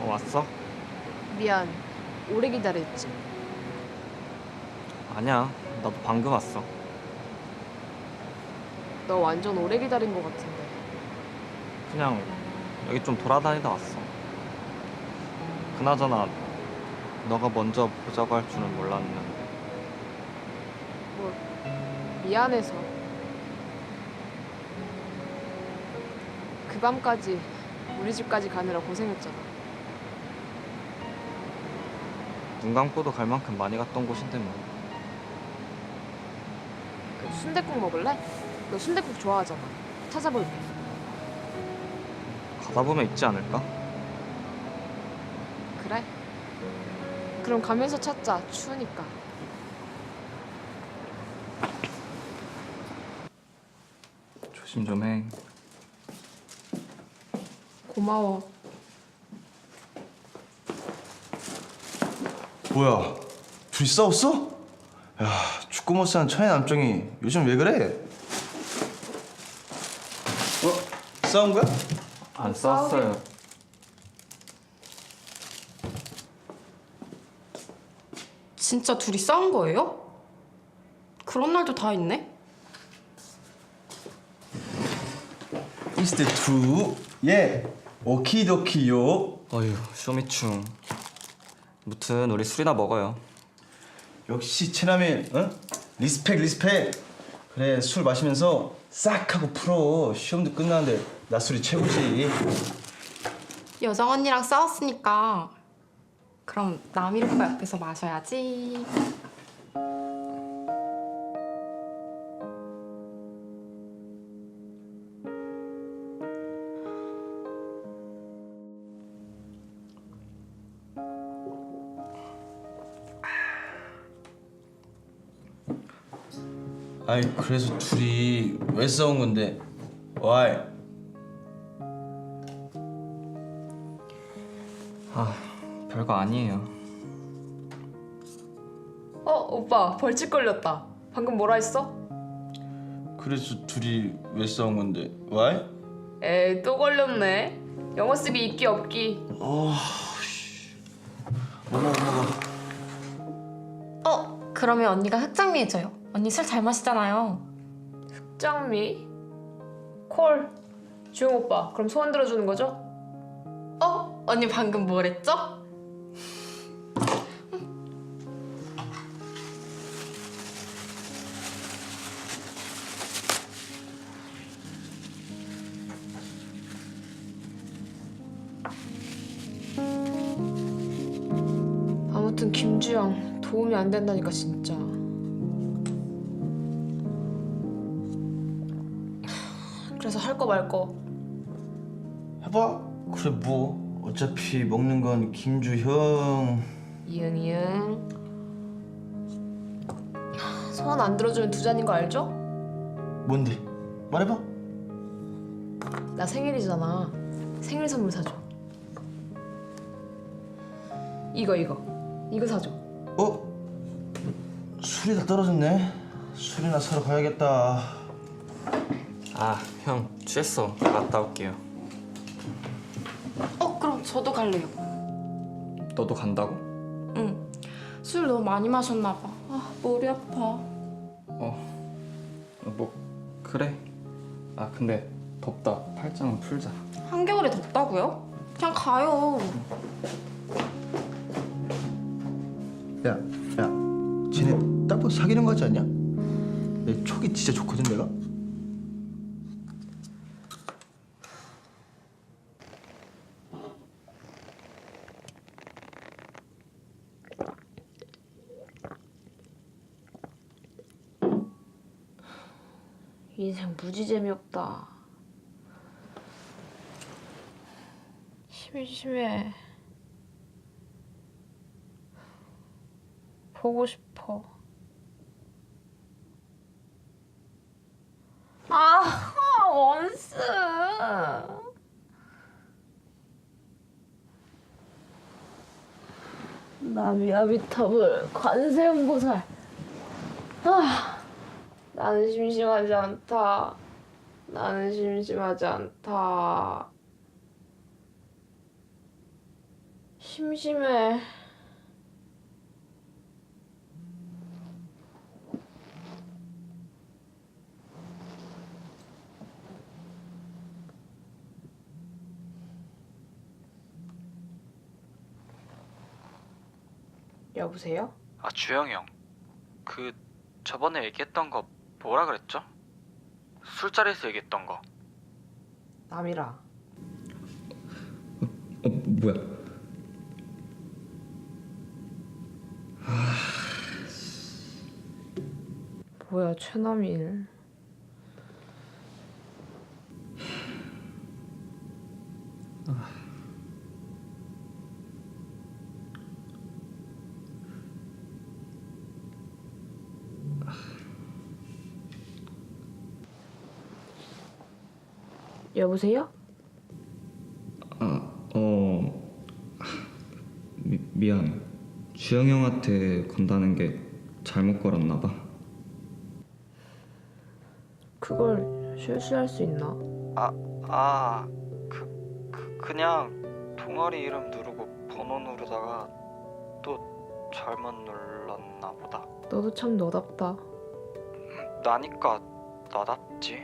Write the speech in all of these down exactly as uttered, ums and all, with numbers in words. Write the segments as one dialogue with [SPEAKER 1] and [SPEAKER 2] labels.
[SPEAKER 1] 어, 왔어?
[SPEAKER 2] 미안, 오래 기다렸지.
[SPEAKER 1] 아니야, 나도 방금 왔어.
[SPEAKER 2] 너 완전 오래 기다린 것 같은데.
[SPEAKER 1] 그냥 여기 좀 돌아다니다 왔어. 그나저나 너가 먼저 보자고 할 줄은 몰랐는데.
[SPEAKER 2] 뭐 미안해서. 그 밤까지 우리 집까지 가느라 고생했잖아.
[SPEAKER 1] 눈 감고도 갈 만큼 많이 갔던 곳인데 뭐.
[SPEAKER 2] 그 순댓국 먹을래? 너 순댓국 좋아하잖아. 찾아볼게.
[SPEAKER 1] 가다 보면 있지 않을까?
[SPEAKER 2] 그래? 그럼 가면서 찾자. 추우니까.
[SPEAKER 1] 조심 좀 해.
[SPEAKER 2] 고마워.
[SPEAKER 3] 뭐야, 둘이 싸웠어? 야, 축구 못사는 천의 남정이 요즘 왜 그래? 어? 싸운 거야?
[SPEAKER 1] 안 싸웠어요.
[SPEAKER 4] 진짜 둘이 싸운 거예요? 그런 날도 다 있네?
[SPEAKER 3] Is that true? 예, 오키도키요.
[SPEAKER 1] 어휴, 쇼미충. 무튼 우리 술이나 먹어요.
[SPEAKER 3] 역시 최남일, 응? 리스펙, 리스펙. 그래, 술 마시면서 싹 하고 풀어. 시험도 끝나는데 낮술이 최고지.
[SPEAKER 4] 여정 언니랑 싸웠으니까 그럼 남일 오빠 옆에서 마셔야지.
[SPEAKER 3] 아이, 그래서 둘이 왜 싸운 건데? Why?
[SPEAKER 1] 아, 별거 아니에요.
[SPEAKER 2] 어, 오빠 벌칙 걸렸다. 방금 뭐라 했어?
[SPEAKER 3] 그래서 둘이 왜 싸운 건데? Why?
[SPEAKER 2] 에이, 또 걸렸네. 영어 쓰기 있기 없기.
[SPEAKER 3] 어, 엄마 엄마가.
[SPEAKER 4] 어, 그러면 언니가 흑장미 해줘요. 언니 술 잘 마시잖아요.
[SPEAKER 2] 짱미. 콜. 주영 오빠, 그럼 소원 들어주는 거죠?
[SPEAKER 4] 어? 언니 방금 뭐랬죠?
[SPEAKER 2] 아무튼 김주영 도움이 안 된다니까 진짜. 그래서 할 거 말 거.
[SPEAKER 3] 해봐. 그래 뭐 어차피 먹는 건 김주형.
[SPEAKER 2] 이응 이응. 소원 안 들어주면 두 잔인 거 알죠?
[SPEAKER 3] 뭔데? 말해봐.
[SPEAKER 2] 나 생일이잖아. 생일 선물 사줘. 이거 이거 이거 사줘.
[SPEAKER 3] 어? 술이 다 떨어졌네. 술이나 사러 가야겠다.
[SPEAKER 1] 아, 형 취했어. 갔다 올게요.
[SPEAKER 4] 어, 그럼 저도 갈래요.
[SPEAKER 1] 너도 간다고?
[SPEAKER 4] 응. 술 너무 많이 마셨나 봐. 아, 머리 아파.
[SPEAKER 1] 어, 뭐 그래. 아, 근데 덥다. 팔짱은 풀자.
[SPEAKER 4] 한겨울에 덥다고요? 그냥 가요.
[SPEAKER 3] 야, 야, 쟤네 딱 봐도 사귀는 거 같지 않냐? 내 촉이 진짜 좋거든 내가.
[SPEAKER 2] 인생 무지 재미없다. 심심해. 보고 싶어. 아, 원스. 나미아비타불 관세음보살. 아, 나는 심심하지 않다. 나는 심심하지 않다. 심심해. 여보세요?
[SPEAKER 5] 아, 주영이 형. 그 저번에 얘기했던 거 뭐라 그랬죠? 술자리에서 얘기했던 거.
[SPEAKER 2] 남이라.
[SPEAKER 1] 어 뭐야?
[SPEAKER 2] 뭐야, 최남일. 여보세요?
[SPEAKER 1] 아어 미, 미안. 주영 형한테 건다는 게 잘못 걸었나 봐.
[SPEAKER 2] 그걸 실수할 수 있나?
[SPEAKER 5] 아, 아, 그, 그 그냥 동아리 이름 누르고 번호 누르다가 또 잘못 눌렀나 보다.
[SPEAKER 2] 너도 참 너답다.
[SPEAKER 5] 나니까 나답지.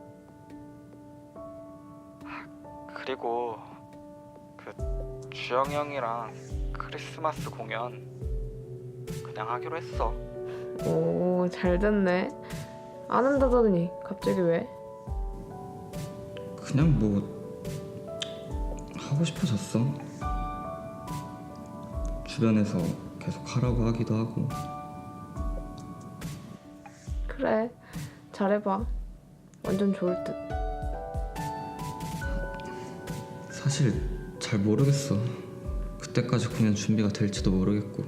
[SPEAKER 5] 그리고 그 주영 형이랑 크리스마스 공연 그냥 하기로 했어.
[SPEAKER 2] 오, 잘 됐네. 안 한다더니 갑자기 왜?
[SPEAKER 1] 그냥 뭐 하고 싶어졌어. 주변에서 계속 하라고 하기도 하고.
[SPEAKER 2] 그래, 잘해봐. 완전 좋을 듯.
[SPEAKER 1] 사실 잘 모르겠어. 그때까지 공연 준비가 될지도 모르겠고.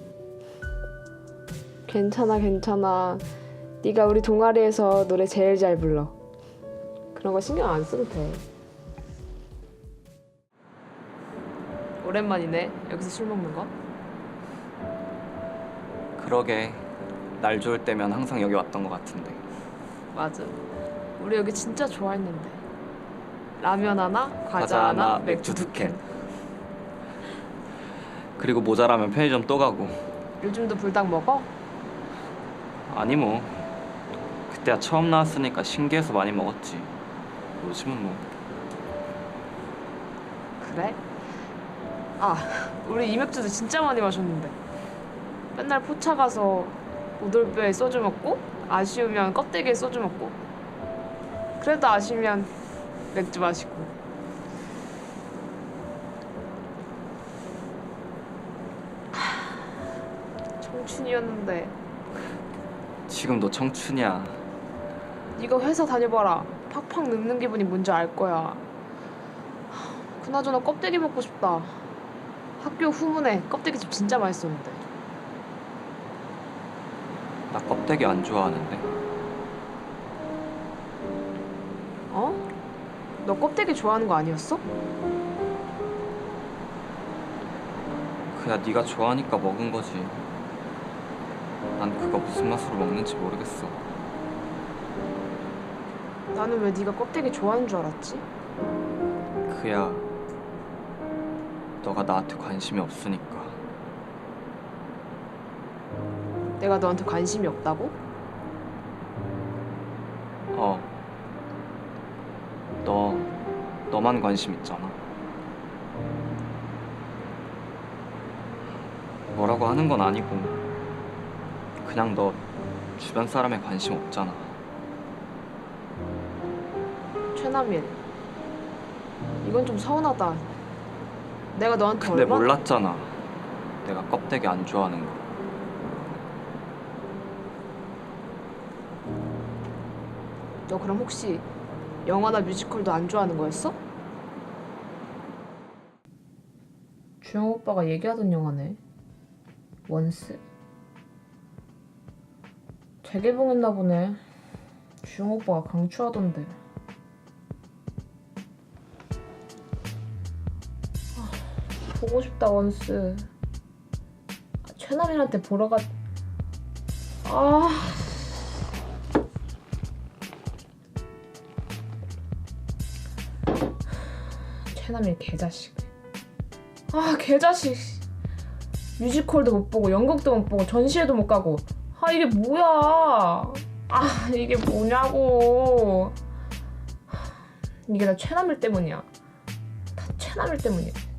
[SPEAKER 2] 괜찮아, 괜찮아. 네가 우리 동아리에서 노래 제일 잘 불러. 그런 거 신경 안 써도 돼. 오랜만이네, 여기서 술 먹는 거.
[SPEAKER 1] 그러게. 날 좋을 때면 항상 여기 왔던 것 같은데.
[SPEAKER 2] 맞아. 우리 여기 진짜 좋아했는데. 라면 하나, 과자,
[SPEAKER 1] 과자
[SPEAKER 2] 하나,
[SPEAKER 1] 하나,
[SPEAKER 2] 맥주
[SPEAKER 1] 맥주
[SPEAKER 2] 두 캔.
[SPEAKER 1] 그리고 모자라면 편의점 또 가고.
[SPEAKER 2] 요즘도 불닭 먹어?
[SPEAKER 1] 아니 뭐 그때야 처음 나왔으니까 신기해서 많이 먹었지. 요즘은 뭐.
[SPEAKER 2] 그래? 아, 우리 이 맥주도 진짜 많이 마셨는데. 맨날 포차 가서 오돌뼈에 소주 먹고, 아쉬우면 껍데기에 소주 먹고, 그래도 아쉬우면 맥주 마시고. 하, 청춘이었는데.
[SPEAKER 1] 지금도 청춘이야.
[SPEAKER 2] 네가 회사 다녀봐라. 팍팍 늙는 기분이 뭔지 알 거야. 하, 그나저나 껍데기 먹고 싶다. 학교 후문에 껍데기집 진짜 맛있었는데.
[SPEAKER 1] 나 껍데기 안 좋아하는데.
[SPEAKER 2] 어? 너 껍데기 좋아하는 거 아니었어?
[SPEAKER 1] 그야 네가 좋아하니까 먹은 거지. 난 그거 무슨 맛으로 먹는지 모르겠어.
[SPEAKER 2] 나는 왜 네가 껍데기 좋아하는 줄 알았지?
[SPEAKER 1] 그야 너가 나한테 관심이 없으니까.
[SPEAKER 2] 내가 너한테 관심이 없다고?
[SPEAKER 1] 어. 너 너만 관심 있잖아. 뭐라고 하는 건 아니고 그냥 너 주변 사람에 관심 없잖아.
[SPEAKER 2] 최남일, 이건 좀 서운하다. 내가 너한테
[SPEAKER 1] 근데
[SPEAKER 2] 얼마나...
[SPEAKER 1] 몰랐잖아. 내가 껍데기 안 좋아하는 거.
[SPEAKER 2] 너 그럼 혹시 영화나 뮤지컬도 안 좋아하는 거였어? 주영 오빠가 얘기하던 영화네. 원스? 재개봉했나 보네. 주영 오빠가 강추하던데. 아, 보고 싶다, 원스. 아, 최남일한테 보러 가... 아... 최남일 개자식. 아 개자식. 뮤지컬도 못 보고 연극도 못 보고 전시회도 못 가고. 아 이게 뭐야. 아 이게 뭐냐고. 이게 다 최남일 때문이야. 다 최남일 때문이야.